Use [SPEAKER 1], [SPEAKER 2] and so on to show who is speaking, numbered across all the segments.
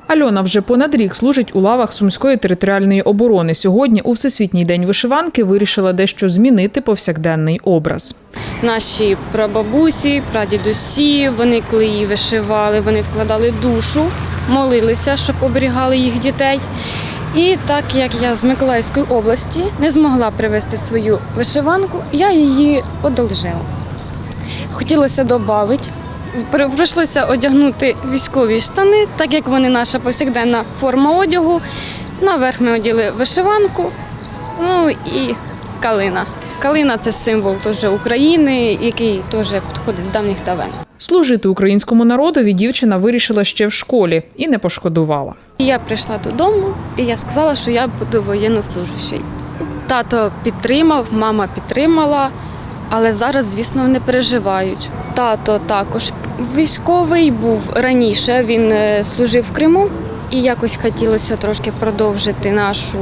[SPEAKER 1] Альона вже понад рік служить у лавах Сумської територіальної оборони. Сьогодні, у Всесвітній день вишиванки, вирішила дещо змінити повсякденний образ.
[SPEAKER 2] Наші прабабусі, прадідусі, вони коли її вишивали, вони вкладали душу, молилися, щоб оберігали їх дітей. І так як я з Миколаївської області не змогла привезти свою вишиванку, я її одолжила. Хотілося додати. Прийшлося одягнути військові штани, так як вони наша повсякденна форма одягу. Наверх ми одягли вишиванку, ну і калина. Калина – це символ теж України, який теж підходить з давніх давен.
[SPEAKER 1] Служити українському народові дівчина вирішила ще в школі і не пошкодувала.
[SPEAKER 2] Я прийшла додому і я сказала, що я буду воєннослужащою. Тато підтримав, мама підтримала, але зараз, звісно, вони переживають. Тато також військовий був раніше, він служив в Криму і якось хотілося трошки продовжити нашу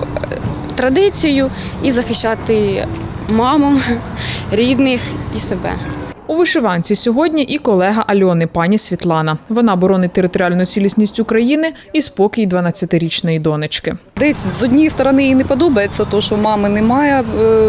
[SPEAKER 2] традицію і захищати маму, рідних і себе.
[SPEAKER 1] У вишиванці сьогодні і колега Альони, пані Світлана. Вона боронить територіальну цілісність України і спокій 12-річної донечки.
[SPEAKER 3] Десь з однієї сторони їй не подобається те, що мами немає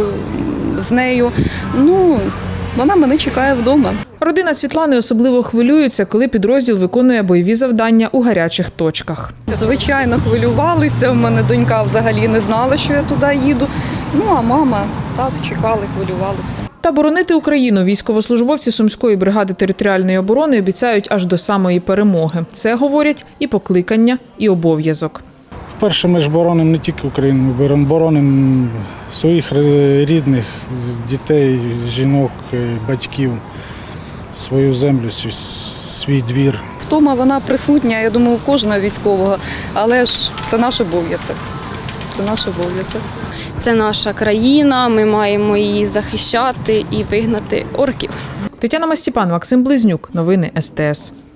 [SPEAKER 3] з нею. Вона мене чекає вдома.
[SPEAKER 1] Родина Світлани особливо хвилюється, коли підрозділ виконує бойові завдання у гарячих точках.
[SPEAKER 3] Звичайно, хвилювалися. В мене донька взагалі не знала, що я туди їду. А мама так чекали, хвилювалися.
[SPEAKER 1] Та боронити Україну військовослужбовці Сумської бригади територіальної оборони обіцяють аж до самої перемоги. Це, говорять, і покликання, і обов'язок.
[SPEAKER 4] Вперше ми ж боронимо не тільки Україну, ми боронимо своїх рідних, дітей, жінок, батьків, свою землю, свій двір.
[SPEAKER 3] Втома вона присутня, я думаю, у кожного військового, але ж це наш обов'язок. Це наш обов'язок.
[SPEAKER 2] Це наша країна, ми маємо її захищати і вигнати орків.
[SPEAKER 1] Тетяна Мастіпан, Максим Близнюк. Новини СТС.